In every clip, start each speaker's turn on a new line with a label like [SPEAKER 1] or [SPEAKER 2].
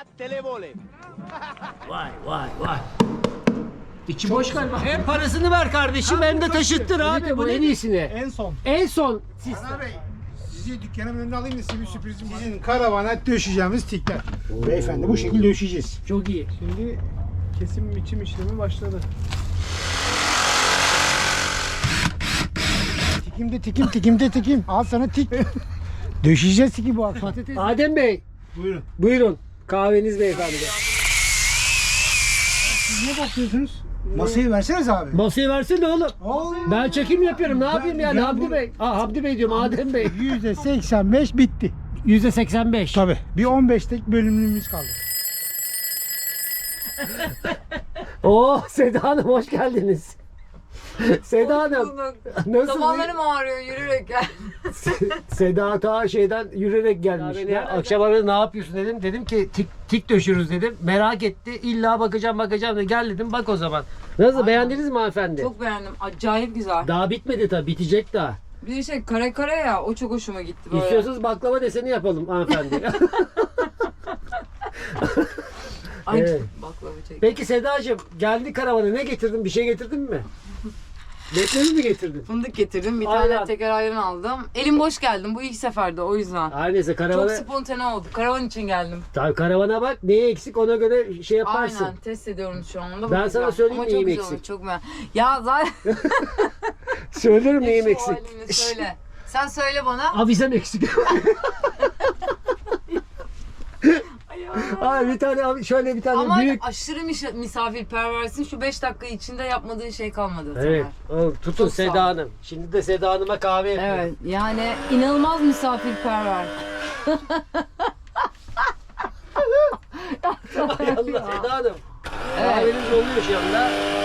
[SPEAKER 1] Vay vay vay. İçi boş galiba. Hem parasını ver kardeşim hem de taşıttır abi. Bu en iyisini.
[SPEAKER 2] En son.
[SPEAKER 1] En son.
[SPEAKER 2] Hasan Bey, sizi dükkanımın önüne alayım da size bir sürprizim var. Sizin karavana döşeceğimiz tikler. Beyefendi bu şekilde döşeyeceğiz.
[SPEAKER 1] Çok iyi.
[SPEAKER 2] Şimdi kesim biçim işlemi başladı. Tikimde tikim. Al sana tik. Döşeyeceğiz tiki bu akşam.
[SPEAKER 1] Patates. Adem Bey.
[SPEAKER 2] Buyurun.
[SPEAKER 1] Buyurun. Kahveniz beyefendi.
[SPEAKER 2] Siz ne bakıyorsunuz? Masayı verseniz abi.
[SPEAKER 1] Masayı versene oğlum.
[SPEAKER 2] Oğlum.
[SPEAKER 1] Ben çekim yapıyorum. Ne yapayım yani
[SPEAKER 2] ben
[SPEAKER 1] Hamdi
[SPEAKER 2] bu-
[SPEAKER 1] Bey? Hamdi Bey diyorum Adem Bey.
[SPEAKER 2] %85 bitti.
[SPEAKER 1] %85.
[SPEAKER 2] Tabii. Bir 15'lik bölümümüz kaldı.
[SPEAKER 1] Oo Seda Hanım hoş geldiniz. Seda Hanım. Nasılsınız?
[SPEAKER 3] Tabanlarım ağrıyor yürürek gel.
[SPEAKER 1] Seda ta şeyden yürüyerek gelmiş. Ya, akşam aradı ne yapıyorsun dedim. Dedim ki tik döşürüz dedim. Merak etti. İlla bakacağım dedi. Gel dedim bak o zaman. Nasıl
[SPEAKER 3] Aynen.
[SPEAKER 1] beğendiniz mi hanımefendi?
[SPEAKER 3] Çok beğendim. Acayip güzel.
[SPEAKER 1] Daha bitmedi tabii. Bitecek daha.
[SPEAKER 3] Bir de şey kare kare ya o çok hoşuma gitti böyle.
[SPEAKER 1] İstiyorsanız baklava deseni yapalım hanımefendi.
[SPEAKER 3] Ay
[SPEAKER 1] Evet.
[SPEAKER 3] baklava çek.
[SPEAKER 1] Peki Sedacığım geldi karavana ne getirdin? Bir şey getirdin mi? Beklerini mi getirdin?
[SPEAKER 3] Fındık getirdim. Bir
[SPEAKER 1] Aynen.
[SPEAKER 3] tane teker ayran aldım. Elim boş geldim. Bu ilk seferde o yüzden.
[SPEAKER 1] Her neyse karavana,
[SPEAKER 3] Çok spontane oldu. Karavan için geldim.
[SPEAKER 1] tabii karavana bak neye eksik ona göre şey yaparsın.
[SPEAKER 3] Aynen test ediyorum şu anda.
[SPEAKER 1] Ben
[SPEAKER 3] bakacağım.
[SPEAKER 1] sana söyleyeyim
[SPEAKER 3] Ama
[SPEAKER 1] neyim
[SPEAKER 3] çok güzel
[SPEAKER 1] eksik.
[SPEAKER 3] olmuş, çok beğendim. Ya zaten
[SPEAKER 1] Söylerim neyim
[SPEAKER 3] Şu
[SPEAKER 1] eksik.
[SPEAKER 3] halini söyle. Sen söyle bana.
[SPEAKER 1] Avizem eksik. Ay bir tane şöyle bir tane
[SPEAKER 3] Ama
[SPEAKER 1] büyük.
[SPEAKER 3] aşırı misafirperversin. Şu 5 dakika içinde yapmadığın şey kalmadı.
[SPEAKER 1] Evet.
[SPEAKER 3] Tamer.
[SPEAKER 1] o, tutun
[SPEAKER 3] Çok sağ ol.
[SPEAKER 1] Seda Hanım. Şimdi de Seda Hanım'a kahve yapıyorum.
[SPEAKER 3] Evet yani inanılmaz misafirperver.
[SPEAKER 1] Ay Allah Seda Hanım. Kahveniz oluyor şu anda.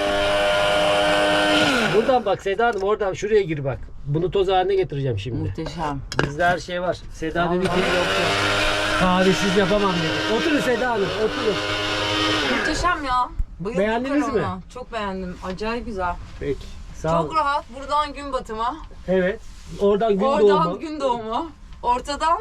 [SPEAKER 1] Buradan bak Seda Hanım oradan şuraya gir bak. Bunu toz haline getireceğim şimdi.
[SPEAKER 3] Muhteşem.
[SPEAKER 1] Bizde her şey var. Seda
[SPEAKER 3] Vallahi
[SPEAKER 1] dedi ki
[SPEAKER 3] yok yok.
[SPEAKER 1] kahvesiz yapamam dedi. Oturun Seda Hanım oturun.
[SPEAKER 3] Muhteşem ya. Bayıldım
[SPEAKER 1] Beğendiniz mi?
[SPEAKER 3] karavana. Çok beğendim. Acayip güzel.
[SPEAKER 1] Peki. Sağ olun.
[SPEAKER 3] Çok rahat. Buradan gün batımı.
[SPEAKER 1] Evet. Oradan gün
[SPEAKER 3] Oradan
[SPEAKER 1] doğumu.
[SPEAKER 3] gün doğumu. Ortadan.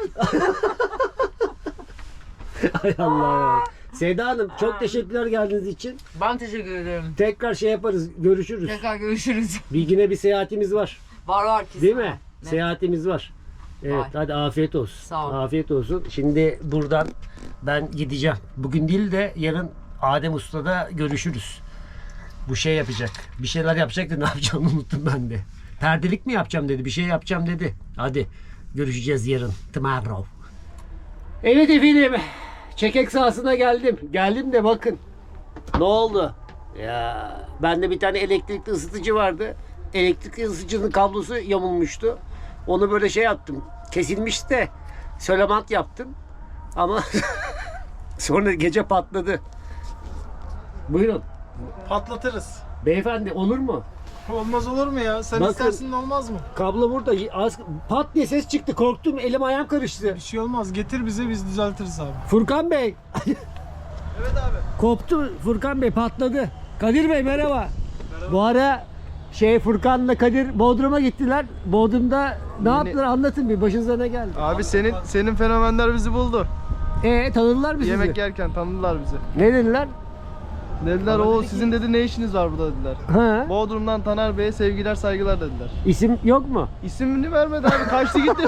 [SPEAKER 1] Hay Allah ya. Seda Hanım çok teşekkürler geldiğiniz için.
[SPEAKER 3] Ben teşekkür ederim.
[SPEAKER 1] Tekrar şey yaparız. Görüşürüz.
[SPEAKER 3] Tekrar görüşürüz.
[SPEAKER 1] Bilgine bir seyahatimiz var.
[SPEAKER 3] Var kesin.
[SPEAKER 1] Değil mi?
[SPEAKER 3] Ne?
[SPEAKER 1] Seyahatimiz var. Evet
[SPEAKER 3] Var.
[SPEAKER 1] hadi afiyet olsun.
[SPEAKER 3] Sağ ol.
[SPEAKER 1] Afiyet olsun. Şimdi buradan ben gideceğim. Bugün değil de yarın Adem Usta'da görüşürüz. Bu şey yapacak. Bir şeyler yapacak da ne yapacağımı unuttum ben de. Perdelik mi yapacağım dedi. Bir şey yapacağım dedi. Hadi görüşeceğiz yarın. Tomorrow. Evet efendim. Çekek sahasına geldim. Geldim de bakın. Ne oldu? Ya bende bir tane elektrikli ısıtıcı vardı. Elektrikli ısıtıcının kablosu yamulmuştu. Onu böyle şey yaptım. Kesilmişti de sölemant yaptım. Ama sonra gece patladı. Buyurun.
[SPEAKER 2] Patlatırız.
[SPEAKER 1] Beyefendi olur mu?
[SPEAKER 2] Olmaz olur mu ya? Sen
[SPEAKER 1] Bakın.
[SPEAKER 2] istersin de olmaz mı?
[SPEAKER 1] Kablo burada. Az, pat diye ses çıktı. Korktum. Elim ayağım karıştı.
[SPEAKER 2] Bir şey olmaz. Getir bize biz düzeltiriz abi.
[SPEAKER 1] Furkan Bey.
[SPEAKER 2] Evet abi.
[SPEAKER 1] Koptu Furkan Bey patladı. Kadir Bey merhaba. Bu ara Furkan'la Kadir Bodrum'a gittiler. Bodrum'da ne yaptılar anlatın bir başınıza ne geldi?
[SPEAKER 4] Abi senin fenomenler bizi buldu.
[SPEAKER 1] Tanıdılar mı sizi?
[SPEAKER 4] Yemek yerken tanıdılar bizi.
[SPEAKER 1] Ne dediler?
[SPEAKER 4] Dediler o sizin dedi ne işiniz var burada dediler.
[SPEAKER 1] Ha?
[SPEAKER 4] Bodrum'dan Taner Bey'e sevgiler saygılar dediler.
[SPEAKER 1] İsim yok mu?
[SPEAKER 4] İsmini vermedi abi kaçtı gitti.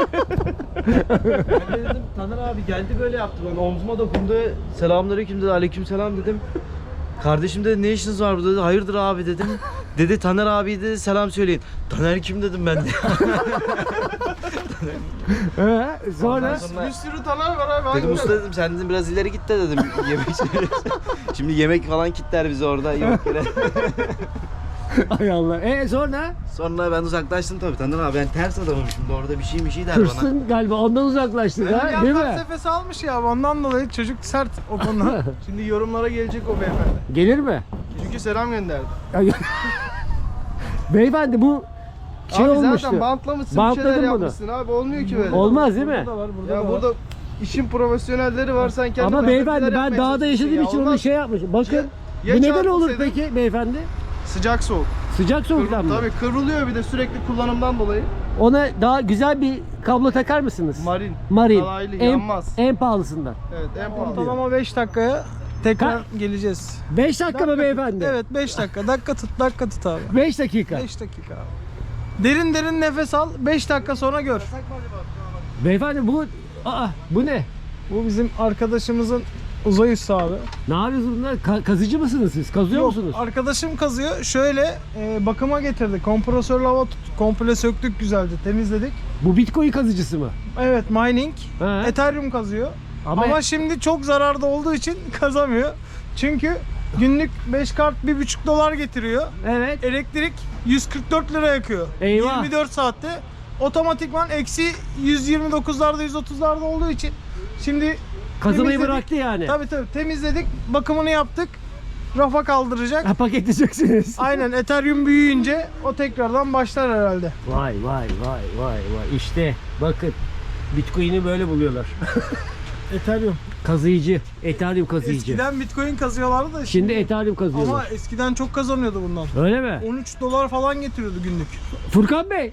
[SPEAKER 4] Ben de dedim Taner abi geldi böyle yaptı bana omzuma dokundu. Selamünaleyküm dedi aleykümselam dedim. Kardeşim dedi ne işiniz var burada dedi. Hayırdır abi dedim. Dedi Taner abi dedi selam söyleyin. Taner kim dedim ben de.
[SPEAKER 1] Sonra
[SPEAKER 4] Sonra-
[SPEAKER 2] Bir sürü taner var abi.
[SPEAKER 4] Dedim usta dedim sen dedim biraz ileri git de dedim yemek Şimdi yemek falan kitler bizi orada yemeklere.
[SPEAKER 1] Hay Allah. Sonra
[SPEAKER 4] Sonra ben uzaklaştım tabii Taner abi ben ters adamım şimdi orada bir şey der bana.
[SPEAKER 1] hırsın galiba ondan uzaklaştın ha değil mi?
[SPEAKER 2] felsefesi almış ya. Ondan dolayı çocuk sert o konuda. Şimdi yorumlara gelecek o beyefendi.
[SPEAKER 1] Gelir mi?
[SPEAKER 4] Çünkü selam gönderdi.
[SPEAKER 1] Beyefendi bu şey
[SPEAKER 4] abi
[SPEAKER 1] olmuştu.
[SPEAKER 4] zaten bantlamışsın
[SPEAKER 1] Bantladın
[SPEAKER 4] bir şeyler
[SPEAKER 1] bunu.
[SPEAKER 4] yapmışsın abi olmuyor ki böyle.
[SPEAKER 1] Olmaz değil mi?
[SPEAKER 2] Burada var, burada
[SPEAKER 4] Ya
[SPEAKER 2] da var.
[SPEAKER 4] burada işin profesyonelleri var sen kendin
[SPEAKER 1] Ama beyefendi ben
[SPEAKER 4] yapmaya
[SPEAKER 1] dağda yaşadığım
[SPEAKER 4] çalışıyorsun
[SPEAKER 1] için
[SPEAKER 4] ya,
[SPEAKER 1] onu
[SPEAKER 4] olmaz.
[SPEAKER 1] şey yapmışım. Bakın
[SPEAKER 4] Ya
[SPEAKER 1] bu neden olur
[SPEAKER 4] çarpılsaydın-
[SPEAKER 1] peki beyefendi?
[SPEAKER 4] Sıcak soğuk.
[SPEAKER 1] Sıcak soğuktan mı?
[SPEAKER 4] Tabii kıvrılıyor bir de sürekli kullanımdan dolayı.
[SPEAKER 1] Ona daha güzel bir kablo takar mısınız?
[SPEAKER 4] Marin.
[SPEAKER 1] Alaylı,
[SPEAKER 4] en, yanmaz.
[SPEAKER 1] En pahalısından.
[SPEAKER 4] Evet en pahalı.
[SPEAKER 5] Ortalama 5 dakikaya tekrar geleceğiz.
[SPEAKER 1] 5 dakika mı beyefendi?
[SPEAKER 5] Evet 5 dakika. Dakika tut abi.
[SPEAKER 1] 5 dakika.
[SPEAKER 5] 5 dakika abi. Derin nefes al. 5 dakika sonra gör.
[SPEAKER 1] Beyefendi bu ne?
[SPEAKER 5] Bu bizim arkadaşımızın uzay üssü abi.
[SPEAKER 1] Ne yapıyorsunuz bunlar? Kazıcı mısınız siz? Kazıyor musunuz?
[SPEAKER 5] Arkadaşım kazıyor. Şöyle bakıma getirdi. Kompresörle hava komple söktük güzelce. Temizledik.
[SPEAKER 1] Bu Bitcoin kazıcısı mı?
[SPEAKER 5] Evet mining.
[SPEAKER 1] He.
[SPEAKER 5] Ethereum kazıyor.
[SPEAKER 1] Ama-
[SPEAKER 5] Ama şimdi çok zararda olduğu için kazamıyor. Çünkü günlük 5 kart $1,5 getiriyor.
[SPEAKER 1] Evet.
[SPEAKER 5] Elektrik 144 lira yakıyor.
[SPEAKER 1] Eyvah.
[SPEAKER 5] 24 saatte otomatikman eksi 129'larda 130'larda olduğu için şimdi
[SPEAKER 1] Kazımayı
[SPEAKER 5] temizledik.
[SPEAKER 1] bıraktı yani.
[SPEAKER 5] Tabii temizledik, bakımını yaptık. Rafa kaldıracak.
[SPEAKER 1] Ha, paketleyeceksiniz.
[SPEAKER 5] Aynen Ethereum büyüyünce o tekrardan başlar herhalde.
[SPEAKER 1] Vay. İşte bakın Bitcoin'i böyle buluyorlar.
[SPEAKER 5] Ethereum.
[SPEAKER 1] Kazıyıcı. Ethereum kazıyıcı.
[SPEAKER 5] Eskiden Bitcoin kazıyorlardı da
[SPEAKER 1] Şimdi Ethereum
[SPEAKER 5] ama
[SPEAKER 1] kazıyorlar.
[SPEAKER 5] eskiden çok kazanıyordu bundan.
[SPEAKER 1] Öyle mi?
[SPEAKER 5] $13 falan getiriyordu günlük.
[SPEAKER 1] Furkan Bey.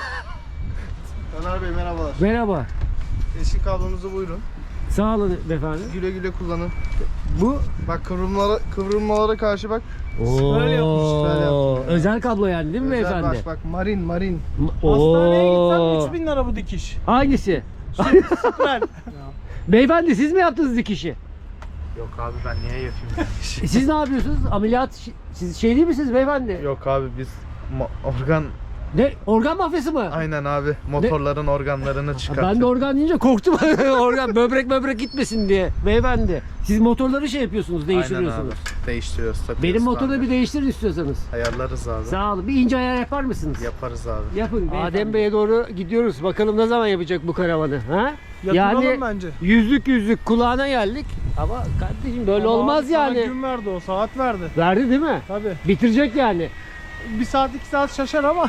[SPEAKER 4] Taner Bey merhabalar.
[SPEAKER 1] Merhaba.
[SPEAKER 4] Eski kablonuzu buyurun.
[SPEAKER 1] Sağ olun beyefendi.
[SPEAKER 4] Güle güle kullanın.
[SPEAKER 1] Bu
[SPEAKER 4] Bak kıvrılmalara karşı bak.
[SPEAKER 5] Böyle yapmış,
[SPEAKER 4] böyle yaptım.
[SPEAKER 1] Özel kablo yani değil mi
[SPEAKER 4] Özel
[SPEAKER 1] beyefendi?
[SPEAKER 4] bak marin.
[SPEAKER 5] Hastaneye
[SPEAKER 1] Oo.
[SPEAKER 5] gitsen 3000 lira bu dikiş.
[SPEAKER 1] Hangisi?
[SPEAKER 5] Süper.
[SPEAKER 1] Beyefendi siz mi yaptınız dikişi?
[SPEAKER 6] Yok abi ben niye yapayım?
[SPEAKER 1] Siz ne yapıyorsunuz? Ameliyat siz şey değil misiniz beyefendi?
[SPEAKER 6] Yok abi biz organ
[SPEAKER 1] Ne? Organ mafyası mı?
[SPEAKER 6] aynen abi motorların organlarını
[SPEAKER 1] Ha,
[SPEAKER 6] çıkartıyor.
[SPEAKER 1] ben de organ deyince korktum. Organ böbrek gitmesin diye. Beyefendi siz motorları şey yapıyorsunuz, değiştiriyorsunuz.
[SPEAKER 6] Aynen abi. Değiştiriyoruz, takıyoruz.
[SPEAKER 1] Benim motoru
[SPEAKER 6] tamir.
[SPEAKER 1] bir değiştirin istiyorsanız.
[SPEAKER 6] ayarlarız abi.
[SPEAKER 1] Sağ olun. Bir ince ayar yapar mısınız?
[SPEAKER 6] Yaparız abi.
[SPEAKER 1] Yapın. Adem Bey'e doğru gidiyoruz. Bakalım ne zaman yapacak bu karavanı. Ha?
[SPEAKER 5] Yatıralım bence.
[SPEAKER 1] yüzlük kulağına geldik. Ama kardeşim böyle
[SPEAKER 5] Ama
[SPEAKER 1] olmaz
[SPEAKER 5] abi sana
[SPEAKER 1] yani.
[SPEAKER 5] gün verdi o, saat verdi.
[SPEAKER 1] Verdi değil mi?
[SPEAKER 5] Tabii.
[SPEAKER 1] Bitirecek yani.
[SPEAKER 5] 1 saat 2 saat şaşar ama.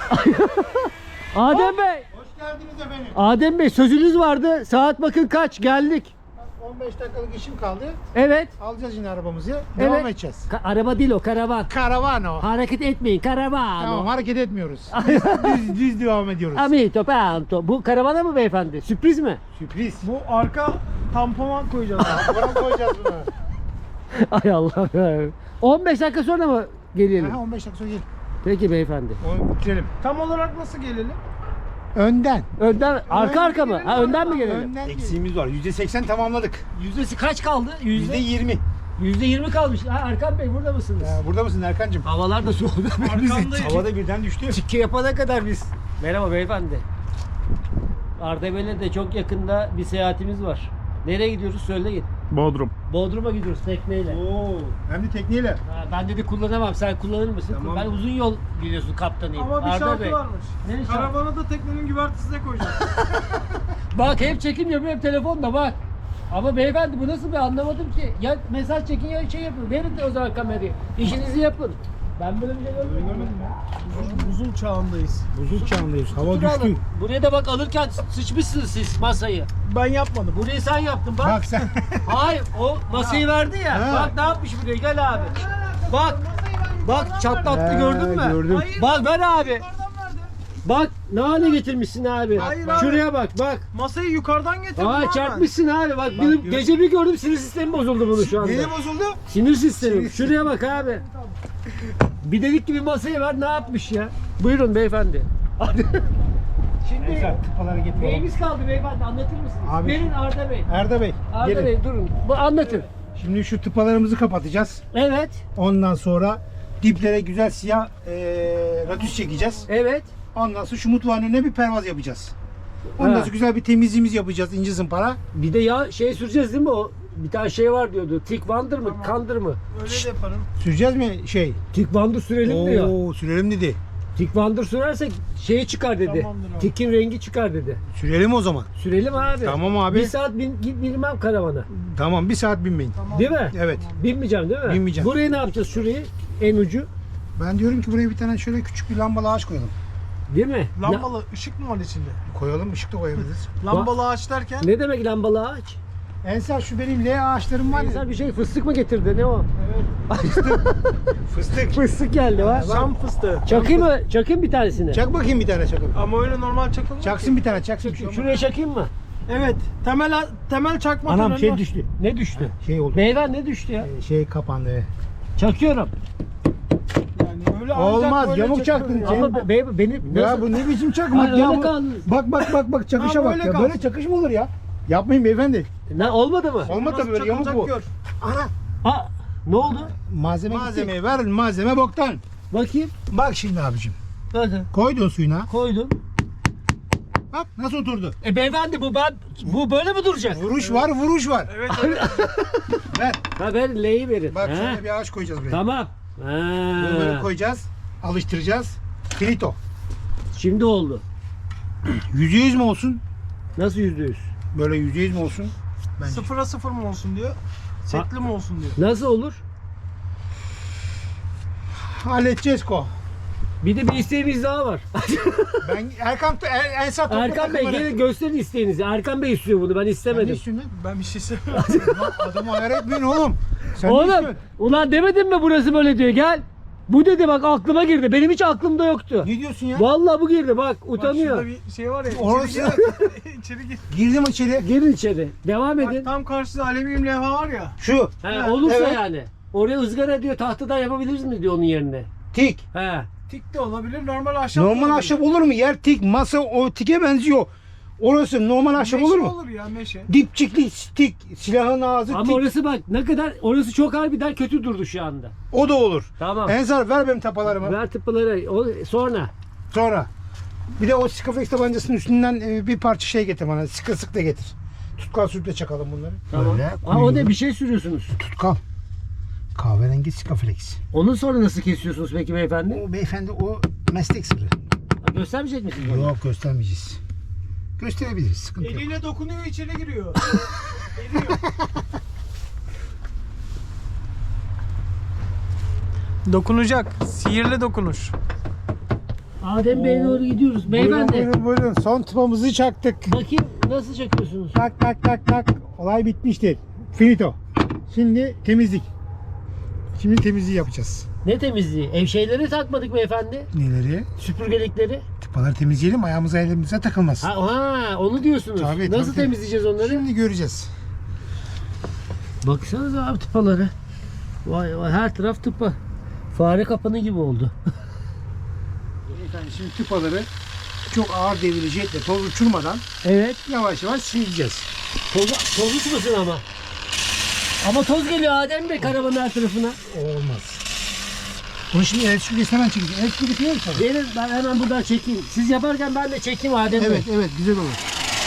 [SPEAKER 1] Adem Bey.
[SPEAKER 2] Hoş geldiniz efendim.
[SPEAKER 1] Adem Bey sözünüz vardı. Saat bakın kaç geldik.
[SPEAKER 2] 15 dakikalık işim kaldı.
[SPEAKER 1] Evet.
[SPEAKER 2] Alacağız yine arabamızı. Devam edeceğiz.
[SPEAKER 1] Araba değil o, karavan.
[SPEAKER 2] Karavan o.
[SPEAKER 1] Hareket etmeyin, karavan.
[SPEAKER 2] Tamam
[SPEAKER 1] o.
[SPEAKER 2] hareket etmiyoruz. düz devam ediyoruz.
[SPEAKER 1] Amito, panto. Bu karavana mı beyefendi? Sürpriz mi?
[SPEAKER 2] Sürpriz.
[SPEAKER 5] Bu arka tampona koyacağız.
[SPEAKER 2] Buraya koyacağız bunu.
[SPEAKER 1] Ay Allah. 15 dakika sonra mı gelelim?
[SPEAKER 2] Aha, 15 dakika sonra gel.
[SPEAKER 1] Peki beyefendi.
[SPEAKER 2] Onu bitirelim.
[SPEAKER 5] Tam olarak nasıl gelelim?
[SPEAKER 2] Önden.
[SPEAKER 1] Önden, arka mı? Ha, önden mi gelelim?
[SPEAKER 2] Önden. Eksiğimiz var. %80 tamamladık.
[SPEAKER 1] Yüzdesi kaç kaldı?
[SPEAKER 2] %20.
[SPEAKER 1] %20 kalmış. Ha, Erkan Bey burada mısınız?
[SPEAKER 2] Burada mısın Erkancığım?
[SPEAKER 1] Havalar da soğudu.
[SPEAKER 5] Arkamdayım.
[SPEAKER 2] Havada birden düştü.
[SPEAKER 1] Çikke yapana kadar biz. Merhaba beyefendi. Ardevel'e de çok yakında bir seyahatimiz var. Nereye gidiyoruz söyleyin.
[SPEAKER 6] Bodrum.
[SPEAKER 1] Bodrum'a gidiyoruz tekneyle.
[SPEAKER 2] Oo, hem de tekneyle.
[SPEAKER 1] Ha, ben dedi kullanamam. Sen kullanır mısın?
[SPEAKER 2] Tamam.
[SPEAKER 1] Ben uzun yol biliyorsun kaptanıyım.
[SPEAKER 5] Ama bir
[SPEAKER 1] Arda
[SPEAKER 5] şartı
[SPEAKER 1] Bey.
[SPEAKER 5] varmış.
[SPEAKER 1] Ne şartı?
[SPEAKER 5] Karavanı da teknenin güvertesine koyacağız.
[SPEAKER 1] Bak hem çekim yapıyor hem telefonla bak. Ama beyefendi bu nasıl bir anlamadım ki. Ya mesaj çekin ya şey yapın. Verin de o zaman kamerayı. İşinizi yapın. Ben böyle bir şey görmedim.
[SPEAKER 5] Buzul çağındayız.
[SPEAKER 2] Buzul çağındayız. Hava
[SPEAKER 1] Dur
[SPEAKER 2] düştü.
[SPEAKER 1] alın. Buraya da bak alırken sıçmışsınız siz masayı.
[SPEAKER 5] Ben yapmadım.
[SPEAKER 1] Burayı sen yaptın bak.
[SPEAKER 2] Bak sen.
[SPEAKER 1] Hayır o masayı verdi ya.
[SPEAKER 2] Ha.
[SPEAKER 1] Bak ne yapmış buraya gel abi. Bak. Bak çatlattı gördün mü?
[SPEAKER 2] gördüm.
[SPEAKER 1] Bak ver abi. Bak ne hale getirmişsin abi.
[SPEAKER 5] Hayır abi.
[SPEAKER 1] Şuraya bak bak.
[SPEAKER 5] Masayı yukarıdan getirdim.
[SPEAKER 1] Aa
[SPEAKER 5] abi.
[SPEAKER 1] çarpmışsın abi bak, benim gece bir gördüm sinir sistemi bozuldu bunu şu anda.
[SPEAKER 2] Neydi bozuldu?
[SPEAKER 1] Sinir sistemi. Şuraya bak abi. Bir dedik gibi masaya ver ne yapmış ya. Buyurun beyefendi. Şimdi
[SPEAKER 2] Neyse tıpaları getirelim.
[SPEAKER 1] neyimiz kaldı beyefendi anlatır mısınız?
[SPEAKER 2] Abi-
[SPEAKER 1] Verin Arda Bey.
[SPEAKER 2] Arda Bey.
[SPEAKER 1] Arda
[SPEAKER 2] gelin.
[SPEAKER 1] Bey durun. Bu anlatın.
[SPEAKER 2] Şimdi şu tıpalarımızı kapatacağız.
[SPEAKER 1] Evet.
[SPEAKER 2] Ondan sonra diplere güzel siyah radüs çekeceğiz.
[SPEAKER 1] Evet.
[SPEAKER 2] Ondan sonra şu mutfağın önüne bir pervaz yapacağız. Ondan sonra güzel bir temizliğimiz yapacağız ince zımpara.
[SPEAKER 1] Bir de ya şey süreceğiz değil mi o? Bir tane şey var diyordu. Tick Wonder mı? Kandır mı?
[SPEAKER 5] Öyle de yaparım.
[SPEAKER 2] Süreceğiz mi şey?
[SPEAKER 1] Tick Wonder sürelim diyor.
[SPEAKER 2] Oo sürelim dedi.
[SPEAKER 1] Tick Wonder sürersek şeyi çıkar dedi.
[SPEAKER 5] Tamamdır abi.
[SPEAKER 1] Tick'in rengi çıkar dedi.
[SPEAKER 2] Sürelim o zaman.
[SPEAKER 1] Sürelim abi.
[SPEAKER 2] Tamam abi.
[SPEAKER 1] Bir saat binmem karavana.
[SPEAKER 2] Tamam bir saat binmeyin.
[SPEAKER 1] Değil mi?
[SPEAKER 2] Evet.
[SPEAKER 1] Binmeyeceğim değil mi?
[SPEAKER 2] Binmeyeceğim.
[SPEAKER 1] Burayı ne yapacağız? Şurayı en ucu.
[SPEAKER 2] Ben diyorum ki buraya bir tane şöyle küçük bir lambalı ağaç koyalım.
[SPEAKER 1] Değil mi?
[SPEAKER 5] Lambalı ışık mı var içinde?
[SPEAKER 2] Koyalım ışık da koyabiliriz.
[SPEAKER 5] Lambalı ağaç derken
[SPEAKER 1] Ne demek lambalı ağaç?
[SPEAKER 2] Ensar şu benim L ağaçlarım var ya.
[SPEAKER 1] Ensar bir şey fıstık mı getirdi? Ne o?
[SPEAKER 2] Fıstık.
[SPEAKER 1] Fıstık geldi var.
[SPEAKER 5] Şam fıstığı.
[SPEAKER 1] Çakayım mı? Çakayım bir tanesini.
[SPEAKER 2] Çak bakayım bir tane çakın.
[SPEAKER 5] Ama öyle normal çakılmıyor
[SPEAKER 2] Çaksın
[SPEAKER 5] ki.
[SPEAKER 2] bir tane çaksın.
[SPEAKER 1] Şuraya çakayım mı?
[SPEAKER 5] Evet. Temel çakma
[SPEAKER 2] Anam
[SPEAKER 5] töreni
[SPEAKER 2] şey
[SPEAKER 5] var.
[SPEAKER 2] düştü.
[SPEAKER 1] Ne düştü?
[SPEAKER 2] Şey oldu.
[SPEAKER 1] Beyler ne düştü ya?
[SPEAKER 2] Şey kapandı.
[SPEAKER 1] Çakıyorum.
[SPEAKER 5] Yani öyle ancak
[SPEAKER 2] Olmaz,
[SPEAKER 5] böyle
[SPEAKER 2] yamuk
[SPEAKER 5] çakılır
[SPEAKER 2] çaktın.
[SPEAKER 5] ya.
[SPEAKER 1] Ama benim
[SPEAKER 2] Ya bu ne biçim çakmak
[SPEAKER 1] Hayır,
[SPEAKER 2] ya?
[SPEAKER 1] öyle
[SPEAKER 2] bu?
[SPEAKER 1] kaldınız.
[SPEAKER 2] Bak çakışa
[SPEAKER 5] Ha,
[SPEAKER 2] bak
[SPEAKER 5] böyle
[SPEAKER 2] ya.
[SPEAKER 5] kalsın.
[SPEAKER 2] Böyle çakış mı olur ya? Yapmayın beyefendi.
[SPEAKER 1] Ne olmadı mı?
[SPEAKER 2] Olmadı
[SPEAKER 5] Nasıl
[SPEAKER 2] tabii böyle yamuk
[SPEAKER 5] çakılacak
[SPEAKER 2] bu.
[SPEAKER 5] gör.
[SPEAKER 2] Ana.
[SPEAKER 1] Ha, ne oldu?
[SPEAKER 2] Malzemeyi ver. Malzeme boktan.
[SPEAKER 1] Bakayım.
[SPEAKER 2] Bak şimdi abicim.
[SPEAKER 1] Hadi.
[SPEAKER 2] Koydun suyuna.
[SPEAKER 1] Koydum.
[SPEAKER 2] Bak nasıl oturdu.
[SPEAKER 1] Beyefendi bu böyle mi duracak?
[SPEAKER 2] Vuruş var.
[SPEAKER 5] Evet evet.
[SPEAKER 2] Ver.
[SPEAKER 1] Ha ver L'yi verin.
[SPEAKER 2] Bak
[SPEAKER 1] Ha,
[SPEAKER 2] şöyle bir ağaç koyacağız buraya.
[SPEAKER 1] Tamam.
[SPEAKER 2] Bunu böyle
[SPEAKER 1] Ha.
[SPEAKER 2] koyacağız. Alıştıracağız. Finito.
[SPEAKER 1] Şimdi oldu.
[SPEAKER 2] %100 mi olsun?
[SPEAKER 1] Nasıl %100?
[SPEAKER 2] Böyle %100 mi olsun? Bence.
[SPEAKER 5] 0'a 0 mı olsun diyor. Setli mi olsun diyor.
[SPEAKER 1] Nasıl olur?
[SPEAKER 2] Halledeceğiz ko.
[SPEAKER 1] Bir de bir isteğimiz daha var.
[SPEAKER 2] Ben Ensar topla
[SPEAKER 1] Erkan Bey
[SPEAKER 2] takımları.
[SPEAKER 1] gelin gösterin isteğinizi. Erkan Bey istiyor bunu ben
[SPEAKER 2] Sen ne
[SPEAKER 1] istemedim.
[SPEAKER 2] istiyorsun lan?
[SPEAKER 5] Ben bir şey söylemiyorum.
[SPEAKER 2] Adamı ayar etmeyin oğlum. Sen ne
[SPEAKER 1] Oğlum
[SPEAKER 2] istiyorsun?
[SPEAKER 1] ulan demedim mi burası böyle diyor gel. Bu dedi bak aklıma girdi. Benim hiç aklımda yoktu.
[SPEAKER 2] Ne diyorsun ya?
[SPEAKER 1] Vallahi bu girdi bak
[SPEAKER 5] Bak şurada
[SPEAKER 1] utanıyor.
[SPEAKER 5] bir şey var ya.
[SPEAKER 2] Orası-
[SPEAKER 5] İçeri gir.
[SPEAKER 2] Girdim içeri.
[SPEAKER 1] Girin içeri. Devam
[SPEAKER 5] Bak
[SPEAKER 1] edin.
[SPEAKER 5] tam karşıda alüminyum levha var ya.
[SPEAKER 2] Şu.
[SPEAKER 1] He, olursa
[SPEAKER 2] evet.
[SPEAKER 1] yani. Oraya ızgara diyor tahtadan yapabiliriz mi diyor onun yerine.
[SPEAKER 2] Tik.
[SPEAKER 1] He.
[SPEAKER 5] Tik de olabilir, normal ahşap da
[SPEAKER 2] Normal
[SPEAKER 5] olabilir.
[SPEAKER 2] ahşap olur mu? Yer tik. Masa o tike benziyor. Orası normal ahşap
[SPEAKER 5] Meşe
[SPEAKER 2] olur mu?
[SPEAKER 5] olur ya meşe.
[SPEAKER 2] Dipçikli tik. Silahın ağzı
[SPEAKER 1] Ama
[SPEAKER 2] tik.
[SPEAKER 1] orası bak ne kadar orası çok harbiden kötü durdu şu anda.
[SPEAKER 2] O da olur.
[SPEAKER 1] Tamam.
[SPEAKER 2] Ensar ver benim tapalarımı.
[SPEAKER 1] Ver tıpıları sonra.
[SPEAKER 2] Sonra. Bir de o Skaflex tabancasının üstünden bir parça şey getir bana. Sık da getir. Tutkal sürükle çakalım bunları.
[SPEAKER 1] Tamam.
[SPEAKER 2] Böyle
[SPEAKER 1] Ha, o
[SPEAKER 2] koyuyoruz.
[SPEAKER 1] da bir şey sürüyorsunuz.
[SPEAKER 2] Tutkal. Kahverengi Skaflex.
[SPEAKER 1] Onu sonra nasıl kesiyorsunuz peki beyefendi?
[SPEAKER 2] O beyefendi o meslek sırrı.
[SPEAKER 1] Ha, göstermeyecek misiniz bana?
[SPEAKER 2] Yok göstermeyeceğiz. Gösterebiliriz. Sıkıntı yok.
[SPEAKER 5] Eliyle dokunuyor, içeri giriyor. Eriyor. Dokunacak. Sihirli dokunuş.
[SPEAKER 1] Adem Bey'e doğru gidiyoruz. Beyefendi.
[SPEAKER 2] Buyurun. Son tıpamızı çaktık.
[SPEAKER 1] Bakayım nasıl çakıyorsunuz?
[SPEAKER 2] Tak. Olay bitmiştir. Finito. Şimdi temizlik. Şimdi temizliği yapacağız.
[SPEAKER 1] Ne temizliği? Ev şeyleri takmadık beyefendi.
[SPEAKER 2] Neleri?
[SPEAKER 1] Süpürgelikleri.
[SPEAKER 2] Tıpaları temizleyelim. Ayağımıza elimize takılmaz.
[SPEAKER 1] Ha onu diyorsunuz.
[SPEAKER 2] Tabii,
[SPEAKER 1] nasıl
[SPEAKER 2] tabii.
[SPEAKER 1] temizleyeceğiz onları?
[SPEAKER 2] Şimdi göreceğiz.
[SPEAKER 1] Baksanıza abi tıpaları. Vay vay her taraf tıpa. Fare kapanı gibi oldu.
[SPEAKER 2] Efendim şimdi tıpaları çok ağır devirli jetle toz uçurmadan
[SPEAKER 1] Evet.
[SPEAKER 2] yavaş yavaş sileceğiz.
[SPEAKER 1] Toz uçmasın ama. Ama toz geliyor Adem Bey karavanın her tarafına.
[SPEAKER 2] Olmaz. Bunu şimdi el süpürgesi hemen çekeceğiz. El süpürgesi yok tabii.
[SPEAKER 1] Verin ben hemen buradan çekeyim. Siz yaparken ben de çekeyim Adem Bey.
[SPEAKER 2] Evet güzel olur.